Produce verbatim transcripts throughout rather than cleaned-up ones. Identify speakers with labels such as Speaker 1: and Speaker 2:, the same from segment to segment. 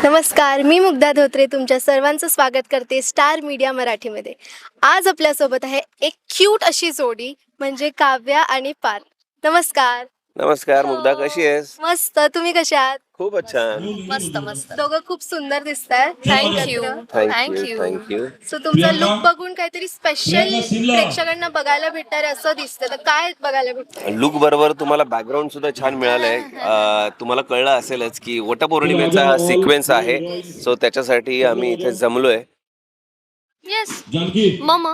Speaker 1: नमस्कार, मी मुग्धा धोत्रे तुमच्या सर्वांचं स्वागत करते स्टार मीडिया मराठीमध्ये. आज आपल्यासोबत आहे एक क्यूट अशी जोडी म्हणजे काव्या आणि पार्थ. नमस्कार.
Speaker 2: नमस्कार मुग्धा, कशी आहेस?
Speaker 1: मस्त. तुम्ही कशा आहात?
Speaker 2: खूपच छान.
Speaker 3: मस्त मस्त.
Speaker 1: दोघं खूप सुंदर दिसताय.
Speaker 3: Thank you
Speaker 2: thank you thank you.
Speaker 1: सो तुमचा लुक बघून काहीतरी स्पेशल प्रेक्षकांना बघायला भेटणार आहे असं दिसतं. तर काय बघायला भेटतं?
Speaker 2: लुक बरोबर तुम्हाला बॅकग्राऊंड सुद्धा छान मिळालंय. अं, तुम्हाला कळलं असेलच की वटपौर्णिमेचा सिक्वेन्स आहे, सो त्याच्यासाठी आम्ही इथे जमलोय.
Speaker 3: येस मम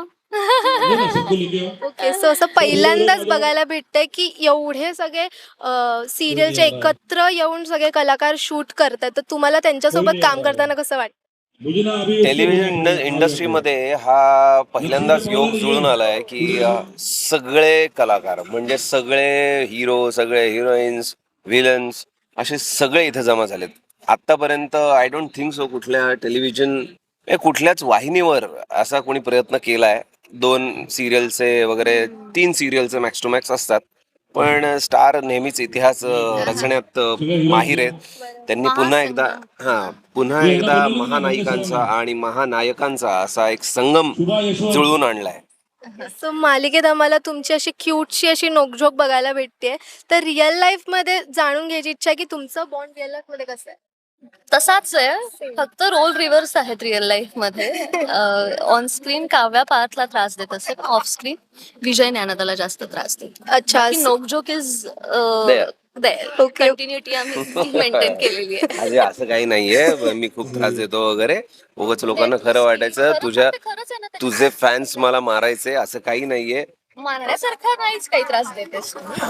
Speaker 1: ओके, सो असं पहिल्यांदाच बघायला भेटतंय की एवढे सगळे सिरियलचे एकत्र येऊन सगळे कलाकार शूट करतात. तर तुम्हाला त्यांच्यासोबत काम करताना कसं वाटतं?
Speaker 2: टेलिव्हिजन इंडस्ट्रीमध्ये हा पहिल्यांदाच योग जुळून आलाय की अं, सगळे कलाकार म्हणजे सगळे हिरो, सगळे हिरोईन्स, विलन्स असे सगळे इथे जमा झालेत. आतापर्यंत आय डोंट थिंक सो कुठल्या टेलिव्हिजन कुठल्याच वाहिनीवर असा कोणी प्रयत्न केलाय. दोन सिरियलचे वगैरे तीन सिरियलचे मॅक्स टू मॅक्स असतात, पण स्टार नेहमीच इतिहास अं, रचण्यात अं, माहिर आहेत. त्यांनी पुन्हा एकदा हा पुन्हा एकदा महानायिकांचा आणि महानायकांचा असा एक संगम जुळवून आणलाय.
Speaker 1: सो मालिकेत आम्हाला तुमची अशी क्यूटशी अशी नोकझोक बघायला भेटते. तर रिअल लाईफ मध्ये जाणून घ्यायची इच्छा आहे की तुमचं बॉन्ड रिअल लाईफ मध्ये कसं आहे?
Speaker 3: तसाच आहे, फक्त रोल रिव्हर्स आहेत रिअल लाईफ मध्ये. ऑन स्क्रीन काव्या पार्थला त्रास देत असेल, ऑफ स्क्रीन विजय ज्ञानदाला जास्त त्रास देतो.
Speaker 1: अच्छा.
Speaker 3: नोकझोक इज
Speaker 2: There.
Speaker 1: Okay.
Speaker 3: कंटिन्युटी आम्ही मेंटेन केलेली आहे.
Speaker 2: अरे असं काही नाहीये, मी खूप त्रास देतो वगैरे. उगाच लोकांना खरं वाटायचं तुझ्या
Speaker 3: खरंच आहे ना,
Speaker 2: तुझे फॅन्स मला मारायचे, असं काही नाहीये.
Speaker 3: मारण्यासारखा नाहीच काही त्रास देतेस.
Speaker 2: हा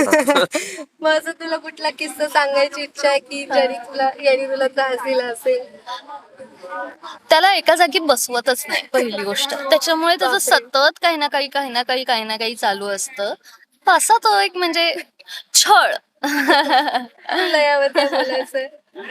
Speaker 1: मग असं तुला कुठला किस्सा सांगायची इच्छा आहे की ज्याने तुला याने तुला त्रास दिला असेल?
Speaker 3: त्याला एका जागी बसवतच नाही पहिली गोष्ट, त्याच्यामुळे त्याचं सतत काही ना काही काही ना काही काही ना काही चालू असतं. असा तो एक म्हणजे छळ.
Speaker 1: तुला यावर काय बोलायचंय?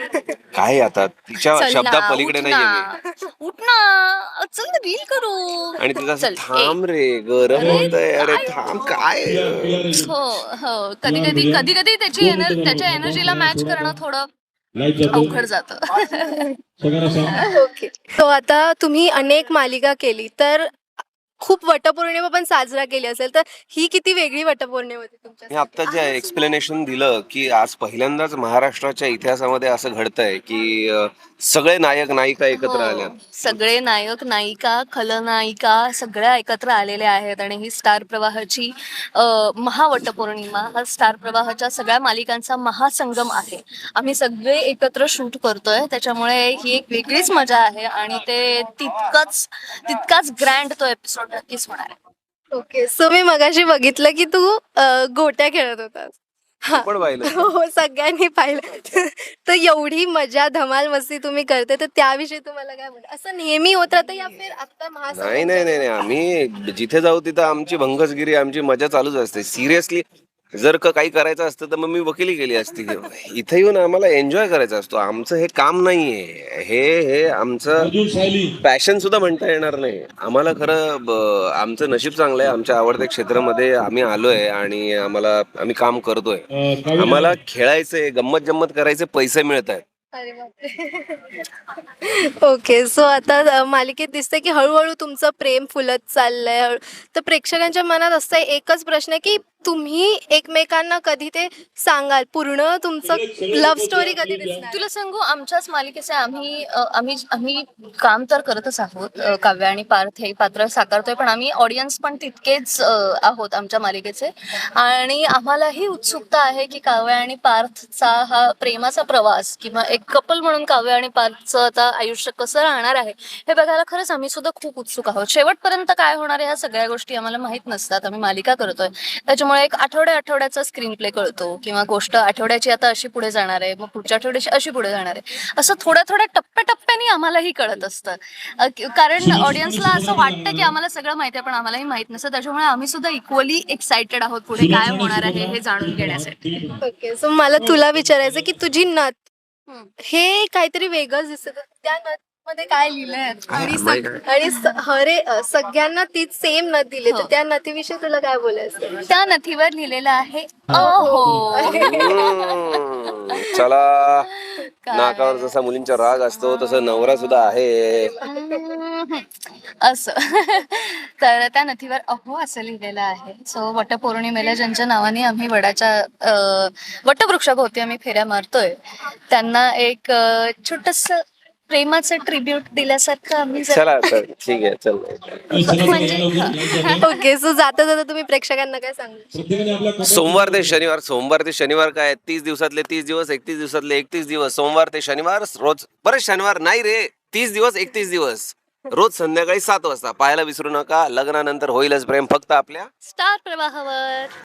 Speaker 2: काय आता तिच्या
Speaker 3: चल
Speaker 2: शब्दा
Speaker 3: ना,
Speaker 2: पलीकडे
Speaker 3: उठ
Speaker 2: नाहीये
Speaker 3: ना,
Speaker 2: मी.
Speaker 3: उठ ना, चल ना रील करू.
Speaker 2: आणि तिचा असं
Speaker 3: चल,
Speaker 2: थांब रे, गरम
Speaker 3: अरे,
Speaker 2: होतंय, अरे
Speaker 3: काय?
Speaker 2: थांब काय.
Speaker 3: हो हो, कधी कधी कधी कधी त्याची एनर्जी त्याच्या एनर्जीला मॅच करणं थोडं अवघड जातं.
Speaker 1: ओके. तो आता तुम्ही अनेक मालिका केली तर खूप वटपौर्णिमा पण साजरा केली असेल, तर ही किती वेगळी वटपौर्णिमा होती
Speaker 2: मी
Speaker 1: तुमच्या?
Speaker 2: आता जे एक्सप्लेनेशन दिलं की आज पहिल्यांदाच महाराष्ट्राच्या इतिहासामध्ये असं घडतंय की अं, सगळे नायक नायिका एकत्र आल्या.
Speaker 3: हो, सगळे नायक नायिका खलनायिका सगळ्या एकत्र आलेल्या आहेत आणि ही स्टार प्रवाहाची अ, महावटपौर्णिमा हा स्टार प्रवाहाच्या सगळ्या मालिकांचा महासंगम आहे. आम्ही सगळे एकत्र शूट करतोय, त्याच्यामुळे ही एक वेगळीच मजा आहे आणि ते तितकंच तितकाच ग्रँड तो एपिसोड नक्कीच होणार आहे.
Speaker 1: ओके. सो मी मगाशी बघितलं की तू अ, गोट्या खेळत होतास. हा.
Speaker 2: पण पाहिलं.
Speaker 1: हो, सगळ्यांनी पाहिलं. तर एवढी मजा धमाल मस्ती तुम्ही करते, तर त्याविषयी तुम्हाला काय म्हणतं? असं नेहमी होत राहतं या फिर आता
Speaker 2: नाही
Speaker 1: महासंगम?
Speaker 2: नाही नाही नाही, आम्ही जिथे जाऊ तिथं आमची भंगसगिरी, आमची मजा चालूच असते. सिरियसली जर का काही करायचं असतं तर मग मी वकिली केली असती. इथे येऊन आम्हाला एन्जॉय करायचा असतो. आमचं हे काम नाहीये, हे हे आमचं पॅशन सुद्धा म्हणता येणार नाही. आम्हाला खरं ब- आमचं नशीब चांगलं आहे. आमच्या आवडत्या क्षेत्रामध्ये आम्ही आलोय आणि आम्हाला आम्ही काम करतोय. आम्हाला खेळायचे, गंमत जम्मत करायचे पैसे मिळत आहेत.
Speaker 1: अरे बापरे. ओके. सो आता अ, मालिकेत दिसतंय की हळूहळू तुमचं प्रेम फुलत चाललंय. हळू- तर प्रेक्षकांच्या मनात असं एकच प्रश्न आहे की तुम्ही एकमेकांना कधी ते सांगाल, पूर्ण तुमचं लव्ह स्टोरी कधी दिसणार?
Speaker 3: तुला सांगू, आमच्याच मालिकेचे आम्ही अ, आम्ही आम्ही काम तर करतच आहोत. अ, काव्या आणि पार्थ हे पात्र साकारतोय, पण आम्ही ऑडियन्स पण तितकेच अ, आहोत आमच्या मालिकेचे. आणि आम्हालाही उत्सुकता आहे की काव्या आणि पार्थचा हा प्रेमाचा प्रवास किंवा एक कपल म्हणून काव्या आणि पार्थचं आता आयुष्य कसं राहणार आहे हे बघायला खरंच आम्ही सुद्धा खूप उत्सुक आहोत. शेवटपर्यंत काय होणार आहे ह्या सगळ्या गोष्टी आम्हाला माहित नसतात. आम्ही मालिका करतोय, त्याच्यामुळे एक आठवड्या आठवड्याचा स्क्रीन प्ले कळतो किंवा गोष्ट आठवड्याची आता अशी पुढे जाणार आहे, मग पुढच्या आठवड्याची अशी पुढे जाणार आहे, असं थोड्या थोड्या टप्प्याटप्प्याने आम्हालाही कळत असतं. अ, कि- कारण ऑडियन्सला असं वाटतं की आम्हाला सगळं माहिती आहे, पण आम्हालाही माहित नसतं. त्याच्यामुळे आम्ही सुद्धा इक्वली एक्साइटेड आहोत पुढे काय होणार आहे हे जाणून घेण्यासाठी.
Speaker 1: ओके. सो मला तुला विचारायचं की तुझी नथ
Speaker 3: हम्म.
Speaker 1: हे काहीतरी वेगळंच दिसत. त्या नथ मध्ये काय लिहिलंय? आणि
Speaker 2: माहित
Speaker 1: सग- आणि स- हरे अ, सगळ्यांना तीच सेम नथ दिली, तर
Speaker 3: हो.
Speaker 1: त्या नथीविषयी तुला काय बोलायचं?
Speaker 3: त्या नथीवर लिहिलेलं आहे अहो.
Speaker 2: हम्म. चला,
Speaker 3: काय?
Speaker 2: नाकावर जसा मुलींचा राग असतो तसं नवरा सुद्धा आहे.
Speaker 3: हम्म, असं तर त्या नथीवर अहो असं लिहिलेलं आहे. सो वटपौर्णिमेला ज्यांच्या नावाने आम्ही वडाच्या अं, वटवृक्षाभोवती आम्ही फेऱ्या मारतोय त्यांना एक छोटस प्रेमाचं ट्रिब्यूट दिल्यासारखं आम्ही जर-
Speaker 2: चला तर ठीक आहे, चल.
Speaker 3: म्हणजे
Speaker 1: ओके, सो जाता जाता तुम्ही प्रेक्षकांना काय सांगू?
Speaker 2: सोमवार ते शनिवार, सोमवार ते शनिवार काय तीस दिवसातले तीस दिवस, एकतीस दिवसातले एकतीस दिवस, सोमवार ते शनिवार रोज, बरेच शनिवार नाही रे, तीस दिवस एकतीस दिवस, रोज संध्याकाळी सात वाजता पाहायला विसरू नका. लग्नानंतर होईलच प्रेम फक्त आपल्या
Speaker 3: स्टार प्रवाहावर.